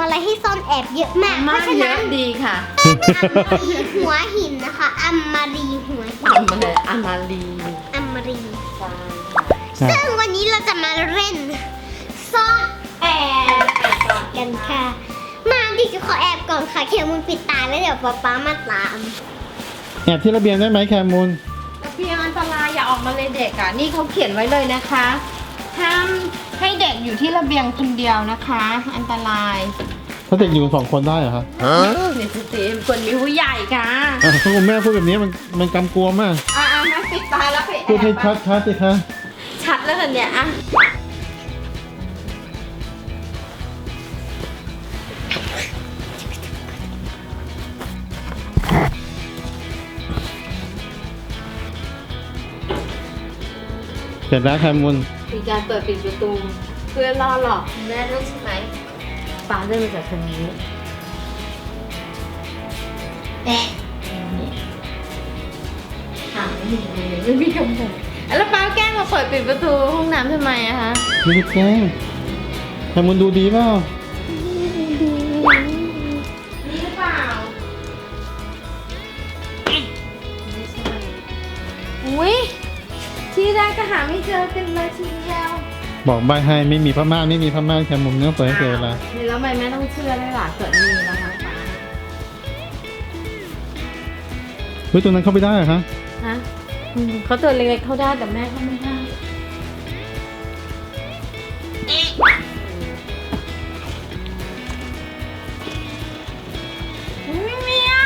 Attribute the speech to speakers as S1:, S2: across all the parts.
S1: อะไรให้ซ่อนแอบเยอะมากเพราะฉะนั้น
S2: ดีค่ะ
S1: หัวหินนะคะอัมมารีหัวหิน
S2: ทำอะไรอามารี
S1: อัมมารี
S2: ใช่
S1: ซึ่งวันนี้เราจะมาเล่นซ่อนแอบกันค่ะมาดิจะขอแอบก่อนค่ะเคมูลปิดตาแล้วเดี๋ยวป๊ามาตาม
S3: แอบที่ระเบียงได้ไหมแคมูล
S2: ระเบียงอันตรายอย่าออกมาเลยเด็กอ่ะนี่เขาเขียนไว้เลยนะคะห้ามให้เด็กอยู่ที่ระเบียงคนเดียวนะคะ อันตราย
S3: ถ้าเด็กอยู่2 คนได้เหรอคะ
S2: เด็กสิคนมีผู้ใหญ่ค่ะ
S3: ถ้าคุณแม่พูดแบบนี้มันกำกวมมาก
S2: แม่ปิดตาแล้วไปแอบ
S3: พูดให้ชัดสิคะ
S2: ชัดแล้วกันเนี่ยอ่ะ
S3: เสร็จแล้วแคมูล
S2: มีการเปิดปิดประตูเพื่อล่อหลอกแม่ด้วยใช่ไหมป้าเดินมาจากทางนี้แอะถามไม่มีเลยไม่มีคำตอบแล้วป้าแกล้งมาเปิดปิดประตูห้องน้ำทำไมอะคะ
S3: ไม่ได้แกล้งแคมูลดูดีเปล่า
S2: นี่หรือเปล่าไม่ใช่อุ้ยที่แรกก็หาไม่เจอกันเลยทีเดียว
S3: บอกใบให้ไม่มีผ้าม่านไม่มีผ้าม่านแคมูลเนื้อเปิดให้เจอละ
S2: นี่แล้วทำไมแม่ต้องเชื่อด้วยล่ะเกิดมีแล้วคะป้า
S3: เฮ้ยตัวนั้นเข้าไปได้เหรอคะ
S2: ฮะเขาตัวเล็กๆเข้าได้แต่แม่เขาไม่ได้ไม่มีอ่ะ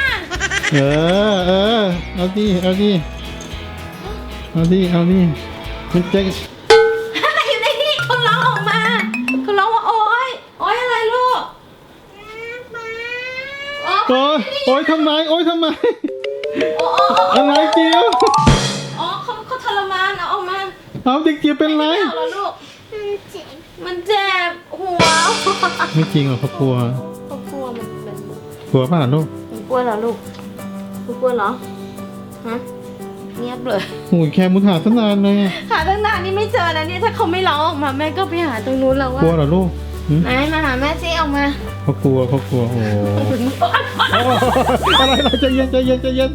S3: เอาดิมันจะ
S2: อยู่ในนี่เขาร้องออกมาเขาร้องว่าโอ๊ยอะไรลูกโอ๊ย
S3: โอ๊ยทำไม
S2: โอ๊ย
S3: อะไรเจียว
S2: อ๋อเขาทรมานเอาออกมา
S3: เอาเด็กเจียวเป็นไร
S2: ไม่เอาแล้วลูกมันเจ็บหัว
S3: ไม่จริงหรอกเขากลัว
S2: เขากลัวมัน
S3: กลัวป่ะลูก
S2: กลัวเหรอลูกกลัวเหรอฮะเงียบเลย
S3: โอ้ยแคมุนหาตั้งนานเลยอะ
S2: หาตั้งนานนี่ไม่เจอนะเนี่ยถ้าเขาไม่ร้องออกมาแม่ก็ไปหาตรงนู้นแล้วว่าก
S3: ลัวเหรอลูกหืม
S2: ไหนมาหาแม่ซิออกมา
S3: เขากลัวโอ้โหอะไรใจเย็น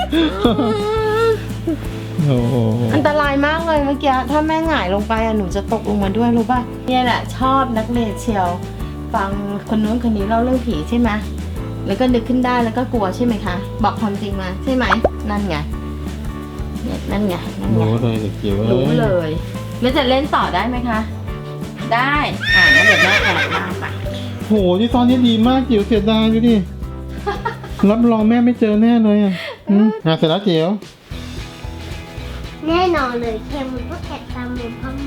S3: โอ้โห
S2: อันตรายมากเลยเมื่อกี้ถ้าแม่หงายลงไปอะหนูจะตกลงมาด้วยรู้ป่ะเนี่ยแหละชอบนักเรียนเชียวฟังคนนู้นคนนี้เล่าเรื่องผีใช่ไหมแล้วก็นึกขึ้นได้แล้วก็กลัวใช่ไหมคะบอกความจริงมาใช่ไหมนั่นไงเนี่ยนั่นไง
S3: รู้เลยเด็กเจียว
S2: รู้เลยแล้วจะเล่นต่อได้ไหมคะได้งั้นเดี๋ยวแม่แอบมาไป
S3: โหที่ตอนนี้ดีมากเจียวเสียดายดูดิรับรองแม่ไม่เจอแน่เลยอ่ะเสร็จแล้วเจียว
S1: แน่นอนเลยเคมูลก็แอบตามหนูพ่อ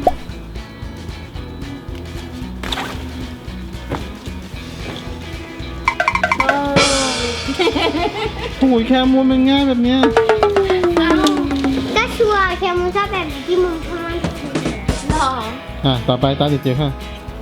S3: โอ้ยแคมูนมันง่ายแบบเนี้ย
S1: ก็ชัวร์เคมูลชอบแบบนี้ที่มุมพ่อมัน
S2: หรอ
S3: ต่อไปตาเด็กเจียวค่ะ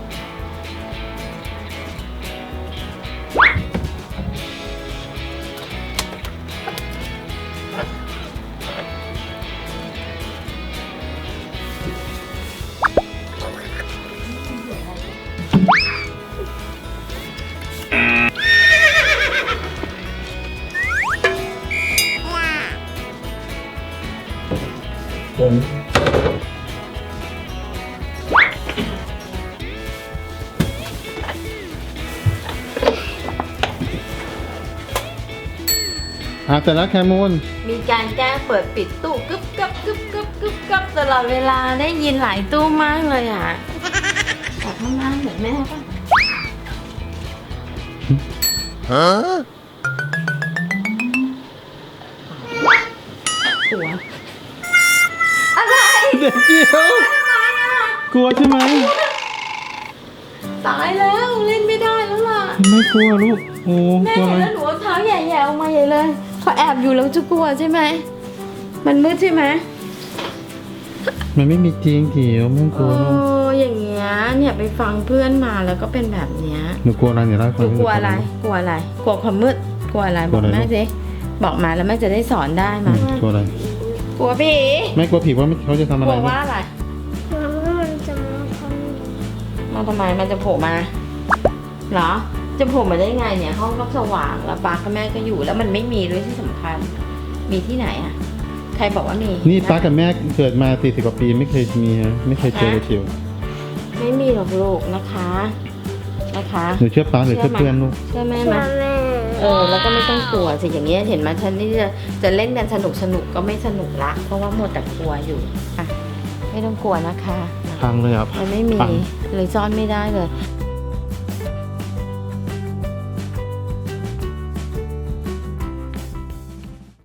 S3: เสร็จแล้วแคมูน
S2: มีการแก้เปิดปิดตู้กึบกับกึบกับกึบกับตลอดเวลาได้ยินหลายตู้มากเลยอ่ะแต่ข้างล่างเหมือนแม่ป่ะหัวอะไร
S3: เด็กเจียวกลัวใช่ไหม
S2: ตายแล้วเล่นไม่ได้แล้วล่ะ
S3: ไม่กลัวลูกโอ้
S2: แม่
S3: กลัว
S2: เห็น
S3: อะไร
S2: แล้วหนูเอาเท้าแย่ๆออกมาใหญ่เลยเขาแอบอยู่แล้วจะกลัวใช่ไหมมันมืดใช่ไหม
S3: มันไม่มีจริงเจียวไม่กลัว
S2: โอ้
S3: ลูก
S2: อย่างเงี้ยเนี่ยไปฟังเพื่อนมาแล้วก็เป็นแบบเนี้ย
S3: หนูกลัวอะไรเนี่ยเล่าให้
S2: ห
S3: ฟั
S2: นู
S3: ง
S2: กลัวอะไรกลัวอะไรกลัวความมืดกลัวอะไรบอกแม่สิบอกมาแล้วแม่จะได้สอนได้มาก
S3: ลัวอะไร
S2: กลัวผี
S3: ไม่กลัวผีว่าเขาจะทำอะ
S2: ก
S3: ไร
S2: ลัว
S3: ลูก
S2: ว่าอะไร
S1: กลัวว่ามันจะมาทำ
S2: มาทำไมมันจะโผล่มาเหรอจะโผล่มาได้ไงเนี่ยห้องก็สว่างแล้วป้ากับแม่ก็อยู่แล้วมันไม่มีด้วยที่สำคัญมีที่ไหนอะใครบอกว่ามี
S3: นี่ป้ากับแม่เกิดมา40 กว่าปีไม่เคยมีฮะไม่เคยเจอเลยเชียว
S2: ไม่มีหรอกลูกนะคะนะคะ
S3: หนูเชื่อป้าหรือเชื่อเพื่อนลูก
S2: เชื่อแม่
S1: เชื่
S2: ไหม
S1: อแม่
S2: แล้วก็ไม่ต้องกลัวสิอย่างเงี้ยเห็นไหมฉันนี่จะเล่นกันสนุกก็ไม่สนุกละเพราะว่าหมดแต่กลัวอยู่อ่ะไม่ต้องกลัวนะคะ
S3: พังเลยครับ
S2: มันไม่มี
S3: ปัง
S2: เลยซ่อนไม่ได้เลย